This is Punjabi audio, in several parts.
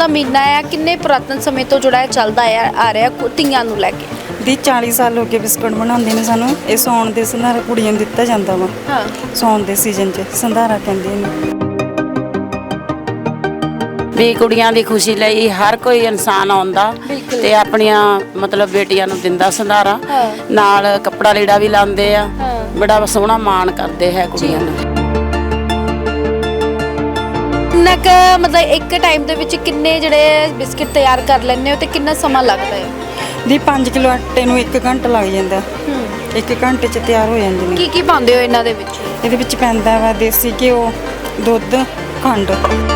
ਦਾ ਮਹੀਨਾ ਹੈ ਕਿੰਨੇ ਪੁਰਾਤਨ ਸਮੇਂ ਤੋਂ ਜਿਹੜਾ ਚੱਲਦਾ ਆ ਰਿਹਾ ਧੀਆਂ ਨੂੰ ਲੈ ਕੇ। ਦੀ 40 ਸਾਲ ਹੋ ਗਏ ਬਿਸਕੁਟ ਬਣਾਉਂਦੇ ਨੇ ਸਾਨੂੰ। ਇਹ ਸੌਣ ਦੇ ਸੰਧਾਰਾ ਕੁੜੀਆਂ ਨੂੰ ਦਿੱਤਾ ਜਾਂਦਾ ਵਾ। ਹਾਂ, ਸੌਣ ਦੇ ਸੀਜ਼ਨ 'ਚ ਸੰਧਾਰਾ ਕਹਿੰਦੇ ਨੇ। ਵੀ ਕੁੜੀਆਂ ਦੀ ਖੁਸ਼ੀ ਲਈ ਹਰ ਕੋਈ ਇਨਸਾਨ ਆਉਂਦਾ ਤੇ ਆਪਣੀਆਂ ਮਤਲਬ ਬੇਟੀਆਂ ਨੂੰ ਦਿੰਦਾ ਸੰਧਾਰਾ, ਨਾਲ ਕੱਪੜਾ ਲੀੜਾ ਵੀ ਲਾਉਂਦੇ ਆ। ਬੜਾ ਸੋਹਣਾ ਮਾਣ ਕਰਦੇ ਹੈ ਕੁੜੀਆਂ ਨੂੰ। ਕਿੰਨਾ ਕੁ ਮਤਲਬ ਇੱਕ ਟਾਈਮ ਦੇ ਵਿੱਚ ਕਿੰਨੇ ਜਿਹੜੇ ਬਿਸਕਿਟ ਤਿਆਰ ਕਰ ਲੈਂਦੇ ਹੋ ਤੇ ਕਿੰਨਾ ਸਮਾਂ ਲੱਗਦਾ ਹੈ? ਦੀ 5 ਕਿਲੋ ਆਟੇ ਨੂੰ 1 ਘੰਟਾ ਲੱਗ ਜਾਂਦਾ। 1 ਘੰਟੇ 'ਚ ਤਿਆਰ ਹੋ ਜਾਂਦੇ ਨੇ। ਕੀ ਕੀ ਪਾਉਂਦੇ ਹੋ ਇਹਨਾਂ ਦੇ ਵਿੱਚ? ਇਹਦੇ ਵਿੱਚ ਪੈਂਦਾ ਵਾ ਦੇਸੀ ਘਿਓ, ਦੁੱਧ, ਖੰਡ।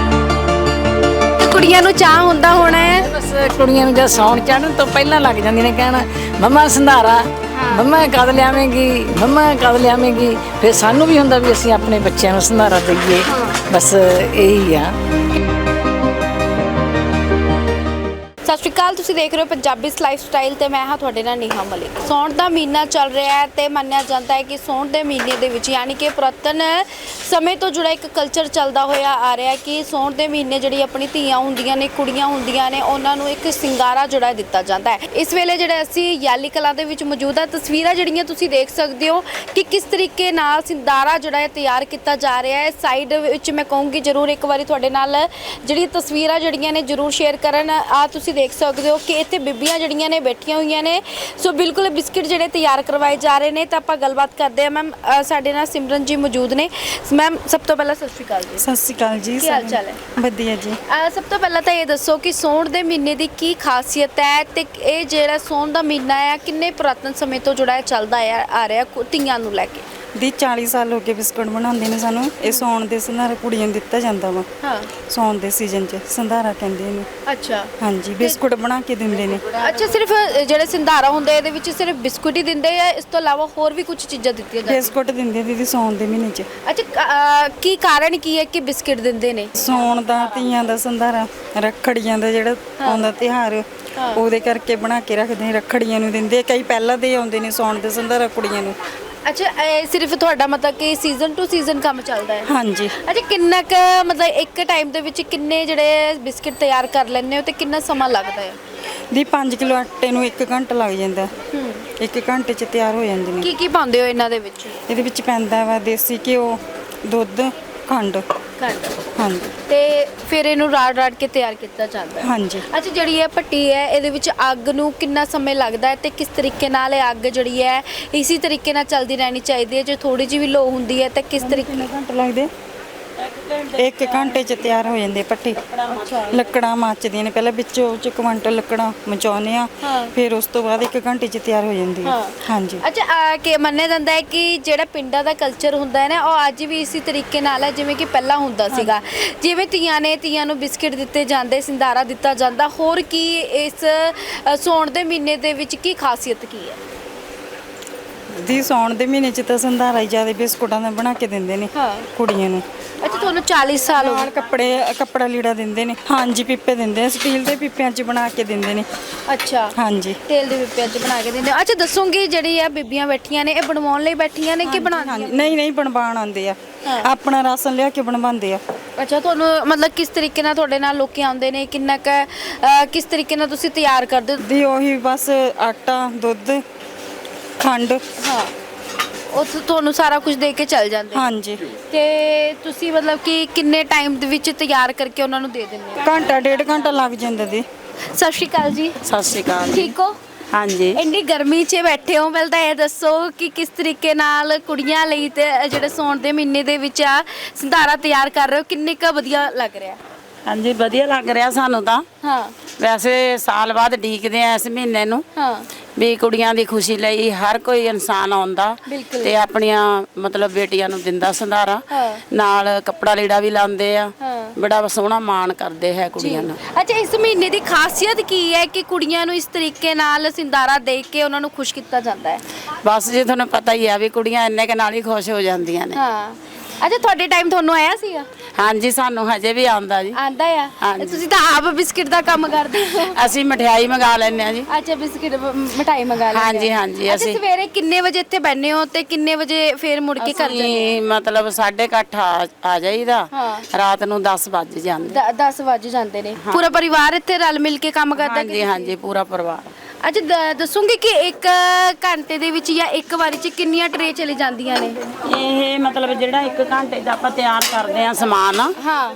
ਕੁੜੀਆਂ ਨੂੰ ਚਾਹ ਹੁੰਦਾ ਹੋਣਾ ਹੈ। ਬਸ ਕੁੜੀਆਂ ਨੂੰ ਜਦ ਸੌਣ ਚੜ੍ਹਨ ਤੋਂ ਪਹਿਲਾਂ ਲੱਗ ਜਾਂਦੀਆਂ ਨੇ ਕਹਿਣਾ ਮੰਮਾ ਸੰਧਾਰਾ, ਮੰਮਾ ਕਦ ਲਿਆਵੇਂਗੀ, ਮੰਮਾ ਕਦ ਲਿਆਵੇਂਗੀ। ਫਿਰ ਸਾਨੂੰ ਵੀ ਹੁੰਦਾ ਵੀ ਅਸੀਂ ਆਪਣੇ ਬੱਚਿਆਂ ਨੂੰ ਸੰਧਾਰਾ ਦਈਏ। ਬਸ ਇਹੀ ਆ। ਸਤਿ ਸ਼੍ਰੀ ਅਕਾਲ, ਤੁਸੀਂ ਦੇਖ ਰਹੇ ਹੋ ਪੰਜਾਬੀ ਲਾਈਫ ਸਟਾਈਲ ਤੇ ਮੈਂ ਹਾਂ ਤੁਹਾਡੇ ਨਾਲ ਨੇਹਾ ਮਲਿਕ। ਸੌਣ ਦਾ ਮਹੀਨਾ ਚੱਲ ਰਿਹਾ ਹੈ ਤੇ ਮੰਨਿਆ ਜਾਂਦਾ ਹੈ ਕਿ ਸੌਣ ਦੇ ਮਹੀਨੇ ਦੇ ਵਿੱਚ ਯਾਨੀ ਕਿ ਪੁਰਾਤਨ ਸਮੇਂ ਤੋਂ ਜੁੜਾ ਇੱਕ ਕਲਚਰ ਚੱਲਦਾ ਹੋਇਆ ਆ ਰਿਹਾ ਕਿ ਸੌਣ ਦੇ ਮਹੀਨੇ ਜਿਹੜੀ ਆਪਣੀ ਧੀਆਂ ਹੁੰਦੀਆਂ ਨੇ, ਕੁੜੀਆਂ ਹੁੰਦੀਆਂ ਨੇ, ਉਹਨਾਂ ਨੂੰ ਇੱਕ ਸਿੰਗਾਰਾ ਜਿਹੜਾ ਦਿੱਤਾ ਜਾਂਦਾ ਹੈ। ਇਸ ਵੇਲੇ ਜਿਹੜੇ ਅਸੀਂ ਯਾਲੀ ਕਲਾਂ ਦੇ ਵਿੱਚ ਮੌਜੂਦ ਆ, ਤਸਵੀਰਾਂ ਜਿਹੜੀਆਂ ਤੁਸੀਂ ਦੇਖ ਸਕਦੇ ਹੋ ਕਿ ਕਿਸ ਤਰੀਕੇ ਨਾਲ ਸਿੰਦਾਰਾ ਜਿਹੜਾ ਹੈ ਤਿਆਰ ਕੀਤਾ ਜਾ ਰਿਹਾ ਹੈ। ਸਾਈਡ ਵਿੱਚ ਮੈਂ ਕਹੂੰਗੀ ਜ਼ਰੂਰ ਇੱਕ ਵਾਰੀ ਤੁਹਾਡੇ ਨਾਲ ਜਿਹੜੀਆਂ ਤਸਵੀਰਾਂ ਜਿਹੜੀਆਂ ਨੇ ਜ਼ਰੂਰ ਸ਼ੇਅਰ ਕਰਨ। ਆ ਤੁਸੀਂ ਦੇਖ ਸਕਦੇ ਹੋ ਕਿ ਇੱਥੇ ਬੀਬੀਆਂ ਜਿਹੜੀਆਂ ਨੇ ਬੈਠੀਆਂ ਹੋਈਆਂ ਨੇ। ਸੋ ਬਿਲਕੁਲ ਬਿਸਕਿਟ ਜਿਹੜੇ ਤਿਆਰ ਕਰਵਾਏ ਜਾ ਰਹੇ ਨੇ ਤਾਂ ਆਪਾਂ ਗੱਲਬਾਤ ਕਰਦੇ ਹਾਂ। ਮੈਮ ਸਾਡੇ ਨਾਲ ਸਿਮਰਨ ਜੀ ਮੌਜੂਦ ਨੇ। ਮੈਮ ਸਭ ਤੋਂ ਪਹਿਲਾਂ ਸਤਿ ਸ਼੍ਰੀ ਅਕਾਲ ਜੀ। ਸਤਿ ਸ਼੍ਰੀ ਅਕਾਲ ਜੀ। ਕੀ ਹਾਲ ਚਾਲ ਹੈ? ਵਧੀਆ ਜੀ। ਸਭ ਤੋਂ ਪਹਿਲਾਂ ਤਾਂ ਇਹ ਦੱਸੋ ਕਿ ਸੌਣ ਦੇ ਮਹੀਨੇ ਦੀ ਕੀ ਖਾਸੀਅਤ ਹੈ ਤੇ ਇਹ ਜਿਹੜਾ ਸੌਣ ਦਾ ਮਹੀਨਾ ਹੈ ਕਿੰਨੇ ਪੁਰਾਤਨ ਸਮੇਂ ਤੋਂ ਜਿਹੜਾ ਚੱਲਦਾ ਆ ਰਿਹਾ ਧੀਆਂ ਨੂੰ ਲੈ ਕੇ। ਦੀ 40 ਸਾਲ ਹੋ ਗਏ ਬਿਸਕੁਟ ਬਣਾਉਂਦੇ ਨੇ ਸਾਨੂੰ। ਇਹ ਸੌਣ ਦੇ ਸੰਧਾਰਾ ਕੁੜੀਆਂ ਨੂੰ ਦਿੱਤਾ ਜਾਂਦਾ ਵਾ। ਹਾਂ, ਸੌਣ ਦੇ ਸੀਜ਼ਨ 'ਚ ਸੰਧਾਰਾ ਕਹਿੰਦੇ ਨੇ। ਅੱਛਾ ਹਾਂਜੀ, ਬਿਸਕੁਟ ਬਣਾ ਕੇ ਦਿੰਦੇ ਨੇ। ਅੱਛਾ, ਸਿਰਫ ਜਿਹੜੇ ਸਿੰਧਾਰਾ ਹੁੰਦੇ ਇਹਦੇ ਵਿੱਚ ਸਿਰਫ ਬਿਸਕੁਟ ਹੀ ਦਿੰਦੇ ਆ, ਇਸ ਤੋਂ ਇਲਾਵਾ ਹੋਰ ਵੀ ਕੁਝ ਚੀਜ਼ਾਂ ਦਿੱਤੀਆਂ ਜਾਂਦੀਆਂ? ਬਿਸਕੁਟ ਦਿੰਦੇ ਦੀਦੀ ਸੌਣ ਦੇ ਮਹੀਨੇ 'ਚ। ਅੱਛਾ, ਕੀ ਕਾਰਨ ਕੀ ਹੈ ਕਿ ਬਿਸਕਿਟ ਦਿੰਦੇ ਨੇ? ਸੌਣ ਦਾ, ਧੀਆਂ ਦਾ ਸੰਧਾਰਾ, ਰੱਖੜੀਆਂ ਦਾ ਜਿਹੜਾ ਆਉਂਦਾ ਤਿਉਹਾਰ, ਉਹਦੇ ਕਰਕੇ ਬਣਾ ਕੇ ਰੱਖਦੇ ਨੇ। ਰੱਖੜੀਆਂ ਨੂੰ ਦਿੰਦੇ, ਕਈ ਪਹਿਲਾਂ ਦੇ ਆਉਂਦੇ ਨੇ ਸੌਣ ਦੇ ਸੰਧਾਰਾ ਕੁੜੀਆਂ ਨੂੰ। ਅੱਛਾ, ਇਹ ਸਿਰਫ ਤੁਹਾਡਾ ਮਤਲਬ ਕਿ ਸੀਜ਼ਨ ਟੂ ਸੀਜ਼ਨ ਕੰਮ ਚੱਲਦਾ ਹੈ? ਹਾਂਜੀ। ਅੱਛਾ, ਕਿੰਨਾ ਕੁ ਮਤਲਬ ਇੱਕ ਟਾਈਮ ਦੇ ਵਿੱਚ ਕਿੰਨੇ ਜਿਹੜੇ ਬਿਸਕਿਟ ਤਿਆਰ ਕਰ ਲੈਂਦੇ ਹੋ ਤੇ ਕਿੰਨਾ ਸਮਾਂ ਲੱਗਦਾ ਹੈ? ਦੀ 5 ਕਿਲੋ ਆਟੇ ਨੂੰ 1 ਘੰਟਾ ਲੱਗ ਜਾਂਦਾ। 1 ਘੰਟੇ 'ਚ ਤਿਆਰ ਹੋ ਜਾਂਦੇ ਨੇ। ਕੀ ਕੀ ਪਾਉਂਦੇ ਹੋ ਇਹਨਾਂ ਦੇ ਵਿੱਚ? ਇਹਦੇ ਵਿੱਚ ਪੈਂਦਾ ਵਾ ਦੇਸੀ ਘਿਓ, ਦੁੱਧ, ਖੰਡ। ਹਾਂਜੀ। ਤੇ ਫਿਰ ਇਹਨੂੰ ਰਾੜ ਕੇ ਤਿਆਰ ਕੀਤਾ ਜਾਂਦਾ ਹੈ? ਹਾਂਜੀ। ਅੱਛਾ, ਜਿਹੜੀ ਇਹ ਭੱਟੀ ਹੈ ਇਹਦੇ ਵਿੱਚ ਅੱਗ ਨੂੰ ਕਿੰਨਾ ਸਮੇਂ ਲੱਗਦਾ ਹੈ ਤੇ ਕਿਸ ਤਰੀਕੇ ਨਾਲ ਇਹ ਅੱਗ ਜਿਹੜੀ ਹੈ ਇਸੇ ਤਰੀਕੇ ਨਾਲ ਚੱਲਦੀ ਰਹਿਣੀ ਚਾਹੀਦੀ ਹੈ? ਜੇ ਥੋੜੀ ਜਿਹੀ ਵੀ ਲੋ ਹੁੰਦੀ ਹੈ ਤਾਂ ਕਿਸ ਤਰੀਕੇ? ਘੰਟੇ ਲੱਗਦੇ। 1 ਘੰਟੇ 'ਚ ਤਿਆਰ ਹੋ ਜਾਂਦੇ ਭੱਟੀ। ਲੱਕੜਾਂ ਮੱਚਦੀਆਂ ਨੇ, ਪਹਿਲਾਂ ਵਿੱਚੋਂ 'ਚ ਕੁਆਂਟਲ ਲੱਕੜਾਂ ਮਚਾਉਂਦੇ ਆ, ਫਿਰ ਉਸ ਤੋਂ ਬਾਅਦ 1 ਘੰਟੇ 'ਚ ਤਿਆਰ ਹੋ ਜਾਂਦੀ ਹੈ। ਹਾਂਜੀ। ਅੱਛਾ, ਕਿ ਮੰਨਿਆ ਜਾਂਦਾ ਹੈ ਕਿ ਜਿਹੜਾ ਪਿੰਡਾਂ ਦਾ ਕਲਚਰ ਹੁੰਦਾ ਹੈ ਨਾ, ਉਹ ਅੱਜ ਵੀ ਇਸੇ ਤਰੀਕੇ ਨਾਲ ਹੈ ਜਿਵੇਂ ਕਿ ਪਹਿਲਾਂ ਹੁੰਦਾ ਸੀਗਾ। ਜਿਵੇਂ ਧੀਆਂ ਨੂੰ ਬਿਸਕਿਟ ਦਿੱਤੇ ਜਾਂਦੇ, ਸਿੰਦਾਰਾ ਦਿੱਤਾ ਜਾਂਦਾ। ਹੋਰ ਕੀ ਇਸ ਸੌਣ ਦੇ ਮਹੀਨੇ ਦੇ ਵਿੱਚ ਕੀ ਖਾਸੀਅਤ ਕੀ ਹੈ? ਦੀ ਸੌਣ ਦੇ ਮਹੀਨੇ 'ਚ ਤਾਂ ਸੰਧਾਰਾ ਹੀ ਜ਼ਿਆਦਾ ਬਿਸਕੁਟਾਂ ਦਾ ਬਣਾ ਕੇ ਦਿੰਦੇ ਨੇ ਕੁੜੀਆਂ ਨੂੰ। ਅੱਛਾ, ਤੁਹਾਨੂੰ 40 ਸਾਲ ਹੋ ਨਾਲ ਕੱਪੜਾ ਲੀੜਾ ਦਿੰਦੇ ਨੇ। ਹਾਂਜੀ, ਪੀਪੇ ਦਿੰਦੇ ਆ, ਸਟੀਲ ਦੇ ਪੀਪਿਆਂ 'ਚ ਬਣਾ ਕੇ ਦਿੰਦੇ ਨੇ। ਅੱਛਾ, ਹਾਂਜੀ, ਤੇਲ ਦੇ ਪੀਪਿਆਂ 'ਚ ਬਣਾ ਕੇ ਦਿੰਦੇ। ਅੱਛਾ, ਦੱਸੋਗੇ ਜਿਹੜੀ ਆ ਬੀਬੀਆਂ ਬੈਠੀਆਂ ਨੇ ਇਹ ਬਣਵਾਉਣ ਲਈ ਬੈਠੀਆਂ ਨੇ ਕਿ ਬਣਾਉਂਦੀਆਂ? ਨਹੀਂ ਬਣਵਾਉਣ ਆਉਂਦੇ ਆ, ਆਪਣਾ ਰਾਸ਼ਨ ਲਿਆ ਕੇ ਬਣਵਾਉਂਦੇ ਆ। ਅੱਛਾ, ਤੁਹਾਨੂੰ ਮਤਲਬ ਕਿਸ ਤਰੀਕੇ ਨਾਲ ਤੁਹਾਡੇ ਨਾਲ ਲੋਕੀ ਆਉਂਦੇ ਨੇ, ਕਿੰਨਾ ਕੁ ਕਿਸ ਤਰੀਕੇ ਨਾਲ ਤੁਸੀਂ ਤਿਆਰ ਕਰਦੇ ਹੋ? ਦੀ ਉਹੀ ਬਸ ਆਟਾ, ਦੁੱਧ, ਖੰਡ। ਹਾਂ, ਉਹ ਤੁਹਾਨੂੰ ਸਾਰਾ ਕੁਝ ਦੇ ਕੇ ਚੱਲ ਜਾਂਦੇ? ਹਾਂਜੀ। ਤੇ ਤੁਸੀਂ ਮਤਲਬ ਕਿ ਕਿੰਨੇ ਟਾਈਮ ਦੇ ਵਿੱਚ ਤਿਆਰ ਕਰਕੇ ਉਹਨਾਂ ਨੂੰ ਦੇ ਦਿੰਦੇ ਹੋ? ਘੰਟਾ 1.5 ਘੰਟਾ ਲੱਗ ਜਾਂਦਾ ਦੀ। ਸਤਿ ਸ਼੍ਰੀ ਅਕਾਲ ਜੀ। ਸਤਿ ਸ਼੍ਰੀ ਅਕਾਲ। ਠੀਕ ਹੋ? ਹਾਂਜੀ। ਇੰਨੀ ਗਰਮੀ 'ਚ ਬੈਠੇ ਹੋ, ਪਹਿਲਾਂ ਤਾਂ ਇਹ ਦੱਸੋ ਕਿ ਕਿਸ ਤਰੀਕੇ ਨਾਲ ਕੁੜੀਆਂ ਲਈ ਤੇ ਜਿਹੜੇ ਸੌਣ ਦੇ ਮਹੀਨੇ ਦੇ ਵਿੱਚ ਆ ਸੰਧਾਰਾ ਤਿਆਰ ਕਰ ਰਹੇ ਹੋ, ਕਿੰਨੇ ਕੁ ਵਧੀਆ ਲੱਗ ਰਿਹਾ? ਹਾਂਜੀ, ਵਧੀਆ ਲੱਗ ਰਿਹਾ ਸਾਨੂੰ ਤਾਂ। ਹਾਂ, ਵੈਸੇ ਸਾਲ ਬਾਅਦ ਡੀਕਦੇ ਆ ਇਸ ਮਹੀਨੇ ਨੂੰ। ਹਾਂ, ਵੀ ਕੁੜੀਆਂ ਦੀ ਖੁਸ਼ੀ ਲਈ ਹਰ ਕੋਈ ਇਨਸਾਨ ਆਉਂਦਾ ਤੇ ਆਪਣੀਆਂ ਮਤਲਬ ਬੇਟੀਆਂ ਨੂੰ ਦਿੰਦਾ ਸੰਧਾਰਾ, ਨਾਲ ਕੱਪੜਾ ਲੀੜਾ ਵੀ ਲਾਉਂਦੇ ਆ। ਬੜਾ ਸੋਹਣਾ ਮਾਣ ਕਰਦੇ ਹੈ ਕੁੜੀਆਂ ਨੂੰ। ਅੱਛਾ, ਇਸ ਮਹੀਨੇ ਦੀ ਖਾਸੀਅਤ ਕੀ ਹੈ ਕਿ ਕੁੜੀਆਂ ਨੂੰ ਇਸ ਤਰੀਕੇ ਨਾਲ ਸਿੰਦਾਰਾ ਦੇ ਕੇ ਉਹਨਾਂ ਨੂੰ ਖੁਸ਼ ਕੀਤਾ ਜਾਂਦਾ ਹੈ? ਬਸ ਜੀ, ਤੁਹਾਨੂੰ ਪਤਾ ਹੀ ਆ ਵੀ ਕੁੜੀਆਂ ਇੰਨੇ ਕੁ ਨਾਲ ਹੀ ਖੁਸ਼ ਹੋ ਜਾਂਦੀਆਂ ਨੇ। ਹਾਂ। ਅੱਛਾ, ਤੁਹਾਡੇ ਟਾਈਮ ਤੁਹਾਨੂੰ ਆਇਆ ਸੀਗਾ? ਹਾਂਜੀ ਸਾਨੂੰ ਹਜੇ ਵੀ ਆਉਂਦਾ ਜੀ। ਆਂਦਾ ਆ ਹਾਂਜੀ। ਤੁਸੀਂ ਤਾਂ ਆਪ ਬਿਸਕਿਟ ਦਾ ਕੰਮ ਕਰਦੇ ਹੋ। ਅਸੀਂ ਮਠਿਆਈ ਮੰਗਾ ਲੈਂਦੇ ਆ ਜੀ। ਅੱਛਾ ਬਿਸਕਿਟ ਮਠਾਈ ਮੰਗਾ ਲੈਂਦੇ ਹਾਂਜੀ, ਆ। ਹਾਂਜੀ, ਅੱਛਾ ਅਸੀਂ- ਸਵੇਰੇ ਕਿੰਨੇ ਵਜੇ ਇੱਥੇ ਬੈਠਨੇ ਹੋ ਤੇ ਕਿੰਨੇ ਵਜੇ ਫੇਰ ਮੁੜ ਕੇ ਘਰ ਜਾਂਦੇ ਅਸੀਂ ਮਤਲਬ 8:30 ਆ ਜਾਈਦਾ। ਹਾਂ। ਰਾਤ ਨੂੰ 10 ਵੱਜ ਜਾਂਦੇ। 10 ਵਜੇ ਜਾਂਦੇ ਨੇ। ਪੂਰਾ ਪਰਿਵਾਰ ਇੱਥੇ ਰਲ ਮਿਲ ਕੇ ਕੰਮ ਕਰਦਾ ਹਾਂਜੀ ਹਾਂਜੀ ਪੂਰਾ ਪਰਿਵਾਰ। ਅੱਛਾ ਦੱਸੋਗੇ ਕਿ ਇੱਕ ਘੰਟੇ ਦੇ ਵਿੱਚ ਜਾਂ ਇੱਕ ਵਾਰੀ 'ਚ ਕਿੰਨੀਆਂ ਟਰੇ ਚਲੀ ਜਾਂਦੀਆਂ ਨੇ? ਇਹ ਮਤਲਬ ਜਿਹੜਾ 1 ਘੰਟੇ 'ਚ ਆਪਾਂ ਤਿਆਰ ਕਰਦੇ ਆ ਸਮਾਨ, ਹਾਂ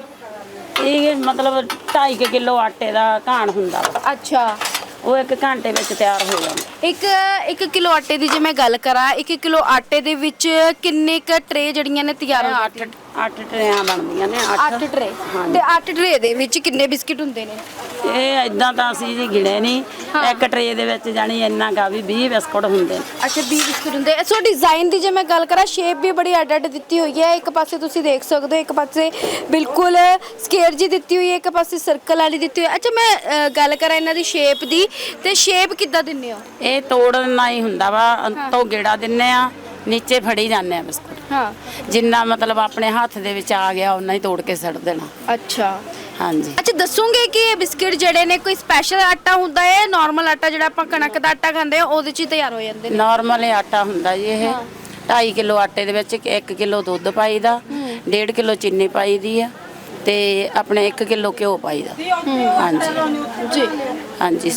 ਇਹ ਮਤਲਬ 2.5 ਕਿਲੋ ਆਟੇ ਦਾ ਘਾਣ ਹੁੰਦਾ ਵਾ। ਅੱਛਾ ਉਹ 1 ਘੰਟੇ ਵਿੱਚ ਤਿਆਰ ਹੋ ਜਾਂਦਾ। 1 ਕਿਲੋ ਆਟੇ ਦੀ ਜੇ ਮੈਂ ਗੱਲ ਕਰਾਂ 1 ਕਿਲੋ ਆਟੇ ਦੇ ਵਿੱਚ ਕਿੰਨੇ ਕ ਟਰੇ ਜਿਹੜੀਆਂ ਨੇ ਤਿਆਰ ਹੋ 8 ਟਰੇਆਂ ਬਣਦੀਆਂ ਨੇ। 8 ਟਰੇ ਤੇ 8 ਟਰੇ ਦੇ ਵਿੱਚ ਕਿੰਨੇ ਬਿਸਕਿਟ ਹੁੰਦੇ ਨੇ? ਇਹ ਇਦਾਂ ਤਾਂ ਅਸੀਂ ਜੀ ਗਿਣੇ ਨਹੀਂ। ਇੱਕ ਟਰੇ ਦੇ ਵਿੱਚ ਜਾਣੀ ਇੰਨਾ ਗਾ ਵੀ 20 ਬਿਸਕੁਟ ਹੁੰਦੇ ਨੇ। ਅੱਛਾ 20 ਬਿਸਕੁਟ ਹੁੰਦੇ। ਸੋ ਡਿਜ਼ਾਈਨ ਦੀ ਜੇ ਮੈਂ ਗੱਲ ਕਰਾਂ ਸ਼ੇਪ ਵੀ ਬੜੀ ਅੱਡ ਅੱਡ ਦਿੱਤੀ ਹੋਈ ਹੈ। ਇੱਕ ਪਾਸੇ ਤੁਸੀਂ ਦੇਖ ਸਕਦੇ ਹੋ, ਇੱਕ ਪਾਸੇ ਬਿਲਕੁਲ ਸਕੁਅਰ ਜੀ ਦਿੱਤੀ ਹੋਈ ਹੈ, ਇੱਕ ਪਾਸੇ ਸਰਕਲ ਵਾਲੀ ਦਿੱਤੀ ਹੋਈ ਹੈ। ਅੱਛਾ ਮੈਂ ਗੱਲ ਕਰਾਂ ਇਹਨਾਂ ਦੀ ਸ਼ੇਪ ਦੀ ਤੇ ਸ਼ੇਪ ਕਿੱਦਾਂ ਦਿੰਦੇ ਹੋ? ਇਹ ਤੋੜਨਾ ਹੀ ਹੁੰਦਾ ਵਾ। ਤੋਂ ਗੇੜਾ ਦਿੰਨੇ ਆ, ਨੀਚੇ ਫੜੀ ਜਾਂਦੇ ਆ ਬਿਸਕੁਟ। ਹਾਂ ਜਿੰਨਾ ਮਤਲਬ ਆਪਣੇ ਹੱਥ ਦੇ ਵਿੱਚ ਆ ਗਿਆ ਉਹਨਾਂ ਹੀ ਤੋੜ ਕੇ ਸੱਟ ਦੇਣਾ। ਅੱਛਾ ਹਾਂਜੀ। ਅੱਛਾ ਦੱਸੋਗੇ ਕਿ ਇਹ ਬਿਸਕਿਟ ਜਿਹੜੇ ਨੇ ਕੋਈ ਸਪੈਸ਼ਲ ਆਟਾ ਹੁੰਦਾ ਹੈ? ਨਾਰਮਲ ਆਟਾ ਜਿਹੜਾ ਆਪਾਂ ਕਣਕ ਦਾ ਆਟਾ ਖਾਂਦੇ ਆ ਉਹਦੇ 'ਚ ਹੀ ਤਿਆਰ ਹੋ ਜਾਂਦੇ ਨੇ? ਨਾਰਮਲ ਆਟਾ ਹੁੰਦਾ ਜੀ ਇਹ। 2.5 ਕਿਲੋ ਆਟੇ ਦੇ ਵਿੱਚ 1 ਕਿਲੋ ਦੁੱਧ ਪਾਈਦਾ, 1.5 ਕਿਲੋ ਚੀਨੀ ਪਾਈਦੀ ਆ ਤੇ ਆਪਣੇ 1 ਕਿਲੋ ਘਿਓ ਪਾਈਦਾ। ਹਾਂਜੀ ਜੀ ਹਾਂਜੀ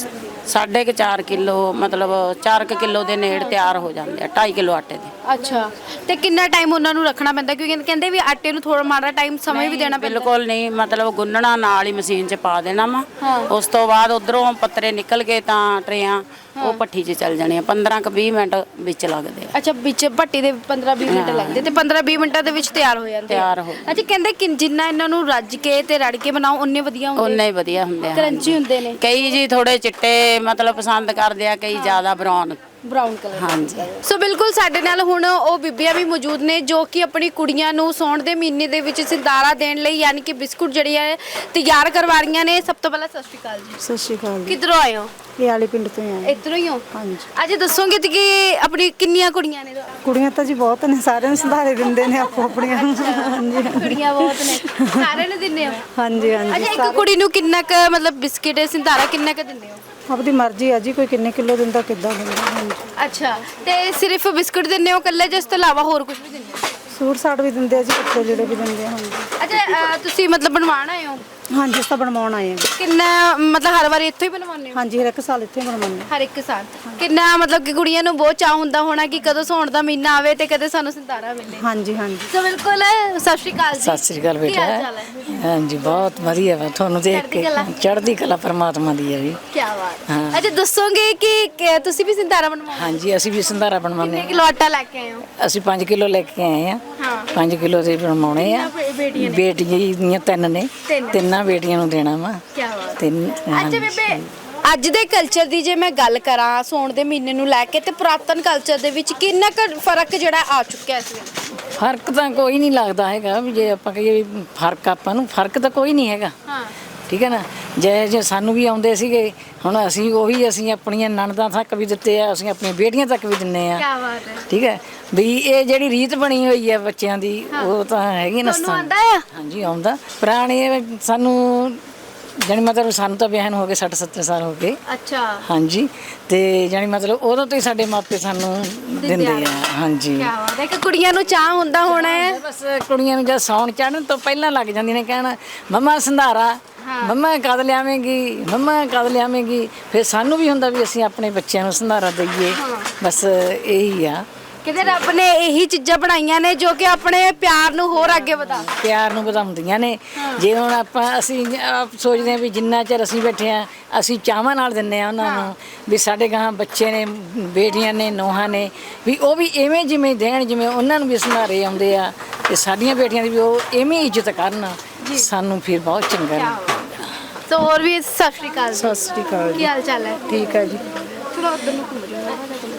4.5 ਕਿਲੋ ਮਤਲਬ 4 ਕਿਲੋ ਦੇ ਨੇੜ ਤਿਆਰ ਹੋ ਜਾਂਦੇ ਆ 2.5 ਕਿਲੋ ਆਟੇ ਦੇ। ਅੱਛਾ ਤੇ ਕਿੰਨਾ ਟਾਈਮ ਉਹਨਾਂ ਨੂੰ ਰੱਖਣਾ ਪੈਂਦਾ? ਕਿਉਂਕਿ ਕਹਿੰਦੇ ਵੀ ਆਟੇ ਨੂੰ ਥੋੜਾ ਮਾੜਾ ਟਾਈਮ ਸਮਾਂ ਵੀ ਦੇਣਾ ਪੈਂਦਾ। ਬਿਲਕੁਲ ਨਹੀਂ, ਮਤਲਬ ਗੁੰਨਣਾ ਨਾਲ ਹੀ ਮਸ਼ੀਨ 'ਚ ਪਾ ਦੇਣਾ ਵਾ। ਹਾਂ। ਉਸ ਤੋਂ ਬਾਅਦ ਉਧਰੋਂ ਪੱਤਰੇ ਨਿਕਲ ਕੇ ਤਾਂ ਟਰੇਆਂ ਉਹ ਭੱਠੀ 'ਚ ਚੱਲ ਜਾਣੀਆਂ। 15-20 ਮਿੰਟ ਵਿੱਚ ਲੱਗਦੇ ਆ। ਅੱਛਾ ਵਿੱਚ ਭੱਟੀ ਦੇ 15-20 ਮਿੰਟ ਲੱਗਦੇ ਤੇ 15-20 ਮਿੰਟਾਂ ਦੇ ਵਿੱਚ ਤਿਆਰ ਹੋ ਜਾਂਦੇ ਤਿਆਰ ਹੋ ਅੱਛਾ ਕਹਿੰਦੇ ਕਿ ਜਿੰਨਾ ਇਹਨਾਂ ਨੂੰ ਰੱਜ ਕੇ ਤੇ ਰੜ ਕੇ ਬਣਾਓ ਉਨੇ ਵਧੀਆ ਹੁੰਦੇ, ਉਨੇ ਹੀ ਵਧੀਆ ਹੁੰਦੇ ਆ। ਕਰੰਚੀ ਹੁੰਦੇ ਨੇ। ਕਈ ਜੀ ਥੋੜੇ ਚਿੱਟੇ ਮਤਲਬ ਪਸੰਦ ਕਰਦੇ ਆ, ਕਈ ਜ਼ਿਆਦਾ ਬਰਾਊਨ। Brown colour. ਹਾਂਜੀ। ਸੋ ਬਿਲਕੁਲ ਸਾਡੇ ਨਾਲ ਹੁਣ ਉਹ ਬੀਬੀਆਂ ਵੀ ਮੌਜੂਦ ਨੇ ਜੋ ਕਿ ਆਪਣੀ ਕੁੜੀਆਂ ਨੂੰ ਸਾਉਣ ਦੇ ਮਹੀਨੇ ਦੇ ਵਿੱਚ ਸਿੰਦਾਰਾ ਦੇਣ ਲਈ ਯਾਨੀ ਕਿ ਬਿਸਕੁਟ ਜਿਹੜੀ ਹੈ ਤਿਆਰ ਕਰਵਾ ਰਹੀਆਂ ਨੇ। ਸਭ ਤੋਂ ਪਹਿਲਾਂ ਸਤਿ ਸ਼੍ਰੀ ਅਕਾਲ ਜੀ। ਸਤਿ ਸ਼੍ਰੀ ਅਕਾਲ ਜੀ। ਕਿੱਧਰੋਂ ਆਏ ਹੋ? ਇਹ ਵਾਲੀ ਪਿੰਡ ਤੋਂ ਆਏ। ਇੱਧਰੋਂ ਹੀ ਹੋ? ਹਾਂਜੀ। ਅੱਜ ਦੱਸੋਗੇ ਤੇ ਕਿ ਆਪਣੀ ਕਿੰਨੀਆਂ ਕੁੜੀਆਂ ਨੇ? ਕੁੜੀਆਂ ਤਾਂ ਜੀ ਬਹੁਤ ਨੇ, ਸਾਰਿਆਂ ਨੂੰ ਸੰਧਾਰੇ ਦਿੰਦੇ ਨੇ ਆਪੋ ਆਪਣੀਆਂ। ਹਾਂਜੀ ਕੁੜੀਆਂ ਬਹੁਤ ਨੇ, ਸਾਰਿਆਂ ਨੂੰ ਦਿੰਦੇ ਹੋ? ਹਾਂਜੀ ਅੱਛਾ ਹਾਂਜੀ। ਇੱਕ ਕੁੜੀ ਨੂੰ ਕਿੰਨਾ ਕ ਮਤਲਬ ਬਿਸਕਿਟ ਸਿੰਦਾਰਾ ਕਿੰਨਾ ਕ ਦਿੰਦੇ ਹੋ? ਆਪਦੀ ਮਰਜ਼ੀ ਆ ਜੀ, ਕੋਈ ਕਿੰਨੇ ਕਿਲੋ ਦਿੰਦਾ ਕਿੱਦਾਂ ਦਿੰਦਾ। ਹਾਂਜੀ। ਅੱਛਾ ਤੇ ਸਿਰਫ ਬਿਸਕੁਟ ਦਿੰਦੇ ਹੋ ਇਕੱਲੇ ਜਾਂ ਇਸ ਤੋਂ ਇਲਾਵਾ ਹੋਰ ਕੁਝ ਵੀ ਦਿੰਦੇ ਹੋ? ਸੂਟ ਸਾਟ ਵੀ ਦਿੰਦੇ ਆ ਜੀ, ਕੱਪੜੇ ਜਿਹੜੇ ਵੀ ਦਿੰਦੇ ਆ। ਹਾਂਜੀ ਅੱਛਾ ਤੁਸੀਂ ਮਤਲਬ ਬਣਵਾਉਣ ਆਏ ਹੋ? ਹਾਂਜੀ ਅਸੀਂ ਤਾਂ ਬਣਵਾਉਣ ਆਏ ਹਾਂ। ਕਿੰਨਾ ਮਤਲਬ ਹਰ ਵਾਰੀ ਇੱਥੋਂ ਹੀ ਬਣਵਾਉਂਦੇ ਹੋ? ਹਾਂਜੀ ਹਰ ਇੱਕ ਸਾਲ ਇੱਥੇ ਬਣਵਾਉਂਦੇ। ਹਰ ਇੱਕ ਸਾਲ ਕਿੰਨਾ ਮਤਲਬ ਕਿ ਕੁੜੀਆਂ ਨੂੰ ਬਹੁਤ ਚਾਹ ਹੁੰਦਾ ਹੋਣਾ ਕਿ ਕਦੋਂ ਸਾਉਣ ਦਾ ਮਹੀਨਾ ਆਵੇ ਤੇ ਕਦੇ ਸਾਨੂੰ ਸਿੰਦਾਰਾ ਮਿਲੇ। ਹਾਂਜੀ ਹਾਂਜੀ। ਸੋ ਬਿਲਕੁਲ ਸਤਿ ਸ਼੍ਰੀ ਅਕਾਲ ਜੀ। ਸਤਿ ਸ੍ਰੀ ਅਕਾਲ ਕੀ ਹਾਲ ਬੇਟਾ। ਚਾਲ ਹੈ? ਹਾਂਜੀ ਬਹੁਤ ਵਧੀਆ ਵਾ ਤੁਹਾਨੂੰ ਦੇਖ ਕੇ। ਚੜ੍ਹਦੀ ਕਲਾ। ਚੜ੍ਹਦੀ ਕਲਾ ਪਰਮਾਤਮਾ ਦੀ ਹੈ ਜੀ। ਕੀ ਬਾਤ। ਹਾਂ। ਅੱਛਾ ਦੱਸੋਗੇ ਕਿ ਤੁਸੀਂ ਵੀ ਸਿੰਦਾਰਾ ਬਣਵਾਉਂਦੇ ਹੋ? ਹਾਂਜੀ ਅਸੀਂ ਵੀ ਸੰਧਾਰਾ ਬਣਵਾਉਂਦੇ ਕਿੰਨੇ ਕਿਲੋ ਆਟਾ ਲੈ ਕੇ ਆਏ ਹੋ? ਹਾਂ। ਅਸੀਂ 5 ਕਿਲੋ ਲੈ ਕੇ ਆਏ ਆ। ਹਾਂ 5 ਕਿਲੋ ਦੇ ਬਣਵਾਉਣੇ ਆ। ਬੇਟੀਆਂ ਨੇ? ਬੇਟੀਆਂ ਦੀਆਂ 3 ਨੇ। ਤਿੰਨ। ਤਿੰਨਾਂ ਬੇਟੀਆਂ ਨੂੰ ਦੇਣਾ ਵਾ। ਕੀ ਬਾਤ। 3। ਅੱਛਾ ਬੇਬੇ ਅੱਜ ਦੇ ਕਲਚਰ ਦੀ ਜੇ ਮੈਂ ਗੱਲ ਕਰਾਂ ਸਾਉਣ ਦੇ ਮਹੀਨੇ ਨੂੰ ਲੈ ਕੇ ਤੇ ਪੁਰਾਤਨ ਕਲਚਰ ਦੇ ਵਿੱਚ ਕਿੰਨਾ ਕੁ ਫਰਕ ਜਿਹੜਾ ਆ ਚੁੱਕਿਆ ਇਸ ਵੇਲੇ? ਫਰਕ ਤਾਂ ਕੋਈ ਨਹੀਂ ਲੱਗਦਾ ਹੈਗਾ ਵੀ ਜੇ ਆਪਾਂ ਕਹੀਏ ਵੀ ਫਰਕ ਆਪਾਂ ਨੂੰ ਫਰਕ ਤਾਂ ਕੋਈ ਨਹੀਂ ਹੈਗਾ। ਹਾਂ ਠੀਕ ਹੈ ਨਾ। ਜੇ ਸਾਨੂੰ ਵੀ ਆਉਂਦੇ ਸੀਗੇ ਹੁਣ ਅਸੀਂ ਆਪਣੀਆਂ ਨਣਦਾਂ ਤੱਕ ਵੀ ਦਿੱਤੇ ਆ, ਅਸੀਂ ਆਪਣੀਆਂ ਬੇਟੀਆਂ ਤੱਕ ਵੀ ਦਿੰਨੇ ਆ। ਕੀ ਬਾਤ ਹੈ। ਠੀਕ ਹੈ ਵੀ ਇਹ ਜਿਹੜੀ ਰੀਤ ਬਣੀ ਹੋਈ ਹੈ ਬੱਚਿਆਂ ਦੀ ਉਹ ਤਾਂ ਹੈਗੀ ਨਾ। ਤੁਹਾਨੂੰ ਆਉਂਦਾ ਆ? ਹਾਂਜੀ ਆਉਂਦਾ। ਪੁਰਾਣੇ ਸਾਨੂੰ ਜਾਣੀ ਮਤਲਬ ਸਾਨੂੰ ਤਾਂ ਵਿਆਹ ਨੂੰ ਹੋ ਗਏ 60-70 ਸਾਲ ਹੋ ਗਏ। ਅੱਛਾ ਹਾਂਜੀ ਤੇ ਜਾਣੀ ਮਤਲਬ ਉਦੋਂ ਤੋਂ ਹੀ ਸਾਡੇ ਮਾਪੇ ਸਾਨੂੰ ਦਿੰਦੇ ਆ। ਹਾਂਜੀ। ਕੀ ਬਾਤ ਹੈ ਕਿ ਕੁੜੀਆਂ ਨੂੰ ਚਾਹ ਹੁੰਦਾ ਹੋਣਾ ਹੈ। ਬਸ ਕੁੜੀਆਂ ਨੂੰ ਜਦ ਸੌਣ ਚੜ੍ਹਨ ਤੋਂ ਪਹਿਲਾਂ ਲੱਗ ਜਾਂਦੀਆਂ ਨੇ ਕਹਿਣ ਮੰਮਾ ਸੰਧਾਰਾ, ਮੰਮਾ ਕਦ ਲਿਆਵੇਂਗੀ, ਮੰਮਾ ਕਦ ਲਿਆਵੇਂਗੀ। ਫਿਰ ਸਾਨੂੰ ਵੀ ਹੁੰਦਾ ਵੀ ਅਸੀਂ ਆਪਣੇ ਬੱਚਿਆਂ ਨੂੰ ਸੰਧਾਰਾ ਦਈਏ। ਬਸ ਇਹੀ ਆ। ਕਿਤੇ ਰੱਬ ਨੇ ਇਹੀ ਚੀਜ਼ਾਂ ਬਣਾਈਆਂ ਨੇ ਜੋ ਕਿ ਆਪਣੇ ਪਿਆਰ ਨੂੰ ਹੋਰ ਅੱਗੇ ਵਧਾ ਪਿਆਰ ਨੂੰ ਵਧਾਉਂਦੀਆਂ ਨੇ। ਜੇ ਹੁਣ ਅਸੀਂ ਆਪ ਸੋਚਦੇ ਹਾਂ ਵੀ ਜਿੰਨਾ ਚਿਰ ਅਸੀਂ ਬੈਠੇ ਆ ਅਸੀਂ ਚਾਵਾਂ ਨਾਲ ਦਿੰਨੇ ਆ ਉਹਨਾਂ ਨੂੰ ਵੀ ਸਾਡੇ ਗਾਂ ਬੱਚੇ ਨੇ, ਬੇਟੀਆਂ ਨੇ, ਨੂੰਹਾਂ ਨੇ ਵੀ ਉਹ ਵੀ ਐਵੇਂ ਜਿਵੇਂ ਦੇਣ ਜਿਵੇਂ ਉਹਨਾਂ ਨੂੰ ਵੀ ਸੰਧਾਰੇ ਆਉਂਦੇ ਆ ਤੇ ਸਾਡੀਆਂ ਬੇਟੀਆਂ ਦੀ ਵੀ ਉਹ ਐਵੇਂ ਇੱਜ਼ਤ ਕਰਨ। ਸਾਨੂੰ ਫਿਰ ਬਹੁਤ ਚੰਗਾ ਲੱਗਦਾ। ਸੋ ਹੋਰ ਵੀ ਸਤਿ ਸ਼੍ਰੀ ਅਕਾਲ ਜੀ। ਸਤਿ ਸ਼੍ਰੀ ਅਕਾਲ ਕੀ ਜੀ। ਹਾਲ ਚਾਲ ਹੈ? ਠੀਕ ਹੈ ਜੀ। ਚਲੋ ਉਧਰ ਨੂੰ ਘੁੰਮ ਜਾਓ।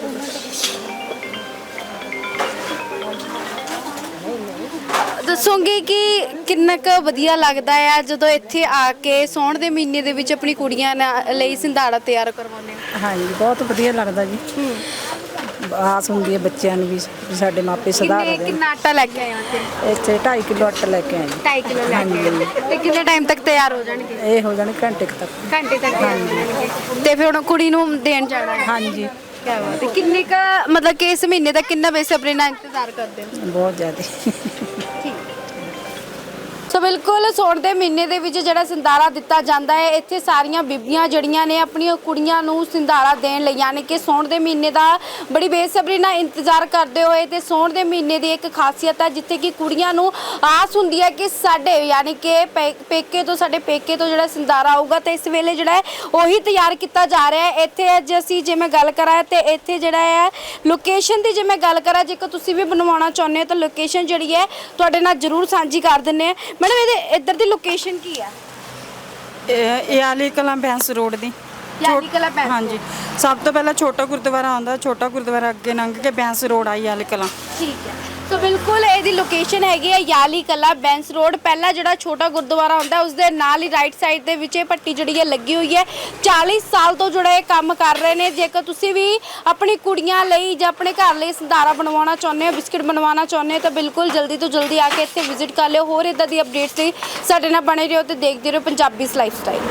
ਦੱਸੋਗੇ ਕਿ ਕਿੰਨਾ ਕੁ ਵਧੀਆ ਲੱਗਦਾ ਆ ਜਦੋਂ ਇੱਥੇ ਆ ਕੇ ਸਾਉਣ ਦੇ ਮਹੀਨੇ ਦੇ ਵਿੱਚ ਆਪਣੀ ਕੁੜੀਆਂ ਲਈ ਸਿੰਧਾੜਾ ਤਿਆਰ ਕਰਵਾਉਂਦੇ ਹੋ? ਹਾਂਜੀ ਬਹੁਤ ਵਧੀਆ ਲੱਗਦਾ ਜੀ। ਆਸ ਹੁੰਦੀ ਹੈ ਬੱਚਿਆਂ ਨੂੰ ਵੀ ਸਾਡੇ ਮਾਪੇ ਸੁਧਾਰ ਕਿੰਨੇ ਦੇਣ। ਕਿੰਨਾ ਆਟਾ ਲੈ ਕੇ ਆਏ ਹੋ ਇੱਥੇ? ਇੱਥੇ 2.5 ਕਿਲੋ ਆਟਾ ਲੈ ਕੇ ਆਏ ਜੀ। 2.5 ਕਿਲੋ ਲੈ ਕੇ ਆਏ ਤੇ ਕਿੰਨੇ ਟਾਈਮ ਤੱਕ ਤਿਆਰ ਹੋ ਜਾਣਗੇ? ਇਹ ਹੋ ਜਾਣੇ ਘੰਟੇ ਕੁ ਤੱਕ। ਘੰਟੇ ਤੱਕ ਤਿਆਰ ਹੋ ਜਾਣਗੇ ਤੇ ਫਿਰ ਹੁਣ ਕੁੜੀ ਨੂੰ ਦੇਣ ਜਾਣਾ ਹੈ। ਹਾਂਜੀ ਕਿਆ ਬਾਤ ਹੈ। ਕਿੰਨੇ ਕ ਮਤਲਬ ਕਿ ਇਸ ਮਹੀਨੇ ਦਾ ਕਿੰਨਾ ਬੇਸਬਰੀ ਨਾਲ ਇੰਤਜ਼ਾਰ ਕਰਦੇ ਹੋ? ਬਹੁਤ ਜ਼ਿਆਦਾ। ਸੋ ਬਿਲਕੁਲ ਸੌਣ ਦੇ ਮਹੀਨੇ ਦੇ ਵਿੱਚ ਜਿਹੜਾ ਸਿੰਦਾਰਾ ਦਿੱਤਾ ਜਾਂਦਾ ਹੈ, ਇੱਥੇ ਸਾਰੀਆਂ ਬੀਬੀਆਂ ਜਿਹੜੀਆਂ ਨੇ ਆਪਣੀਆਂ ਕੁੜੀਆਂ ਨੂੰ ਸਿੰਦਾਰਾ ਦੇਣ ਲਈ ਯਾਨੀ ਕਿ ਸੌਣ ਦੇ ਮਹੀਨੇ ਦਾ ਬੜੀ ਬੇਸਬਰੀ ਨਾਲ ਇੰਤਜ਼ਾਰ ਕਰਦੇ ਹੋਏ ਤੇ ਸੌਣ ਦੇ ਮਹੀਨੇ ਦੀ ਇੱਕ ਖਾਸੀਅਤ ਹੈ ਜਿੱਥੇ ਕਿ ਕੁੜੀਆਂ ਨੂੰ ਆਸ ਹੁੰਦੀ ਹੈ ਕਿ ਸਾਡੇ ਯਾਨੀ ਕਿ ਪੇਕੇ ਤੋਂ ਜਿਹੜਾ ਸਿੰਦਾਰਾ ਆਊਗਾ ਤੇ ਇਸ ਵੇਲੇ ਜਿਹੜਾ ਹੈ ਉਹੀ ਤਿਆਰ ਕੀਤਾ ਜਾ ਰਿਹਾ ਹੈ। ਇੱਥੇ ਅੱਜ ਅਸੀਂ ਜੇ ਮੈਂ ਗੱਲ ਕਰਾਂ ਤੇ ਇੱਥੇ ਜਿਹੜਾ ਹੈ ਲੋਕੇਸ਼ਨ ਦੀ ਜੇ ਮੈਂ ਗੱਲ ਕਰਾਂ ਜੇਕਰ ਤੁਸੀਂ ਵੀ ਬਣਵਾਉਣਾ ਚਾਹੁੰਦੇ ਹੋ ਤਾਂ ਲੋਕੇਸ਼ਨ ਜਿਹੜੀ ਹੈ ਤੁਹਾਡੇ ਨਾਲ ਜ਼ਰੂਰ ਸਾਂਝੀ ਕਰ ਦਿੰਦੇ ਆ। ਮੈਡਮ ਇਹਦੇ ਇੱਧਰ ਦੀ ਲੋਕੇਸ਼ਨ ਕੀ ਹੈ? ਇਹ ਆਲੀ ਕਲਾਂ ਬੈਂਸ ਰੋਡ ਦੀ ਯਾਨੀ ਕਲਾ ਪੈਂਸ ਹਾਂਜੀ। ਸਭ ਤੋਂ ਪਹਿਲਾਂ ਛੋਟਾ ਗੁਰਦੁਆਰਾ ਆਉਂਦਾ, ਛੋਟਾ ਗੁਰਦੁਆਰਾ ਅੱਗੇ ਲੰਘ ਕੇ ਬੈਂਸ ਰੋਡ ਆਈ ਆਲੀ ਕਲਾਂ। ਠੀਕ ਹੈ। ਸੋ ਬਿਲਕੁਲ ਇਹਦੀ ਲੋਕੇਸ਼ਨ ਹੈਗੀ ਹੈ ਯਾਲੀ ਕਲਾ ਬੈਂਸ ਰੋਡ। ਪਹਿਲਾ ਜਿਹੜਾ ਛੋਟਾ ਗੁਰਦੁਆਰਾ ਹੁੰਦਾ ਉਸ ਦੇ ਨਾਲ ਹੀ ਰਾਈਟ ਸਾਈਡ ਦੇ ਵਿੱਚ ਇਹ ਪੱਟੀ ਜਿਹੜੀ ਹੈ ਲੱਗੀ ਹੋਈ ਹੈ। 40 ਸਾਲ ਤੋਂ ਜਿਹੜਾ ਇਹ ਕੰਮ ਕਰ ਰਹੇ ਨੇ। ਜੇਕਰ ਤੁਸੀਂ ਵੀ ਆਪਣੀ ਕੁੜੀਆਂ ਲਈ ਜਾਂ ਆਪਣੇ ਘਰ ਲਈ ਸਿੰਦਾਰਾ ਬਣਵਾਉਣਾ ਚਾਹੁੰਦੇ ਹੋ, ਬਿਸਕਿਟ ਬਣਵਾਉਣਾ ਚਾਹੁੰਦੇ ਹੋ ਤਾਂ ਬਿਲਕੁਲ ਜਲਦੀ ਤੋਂ ਜਲਦੀ ਆ ਕੇ ਇੱਥੇ ਵਿਜ਼ਿਟ ਕਰ ਲਿਓ। ਹੋਰ ਇਦਾਂ ਦੀ ਅਪਡੇਟਸ ਲਈ ਸਾਡੇ ਨਾਲ ਬਣੇ ਰਹੋ ਤੇ ਦੇਖਦੇ ਰਹੋ ਪੰਜਾਬੀਜ਼ ਲਾਈਫ ਸਟਾਈਲ।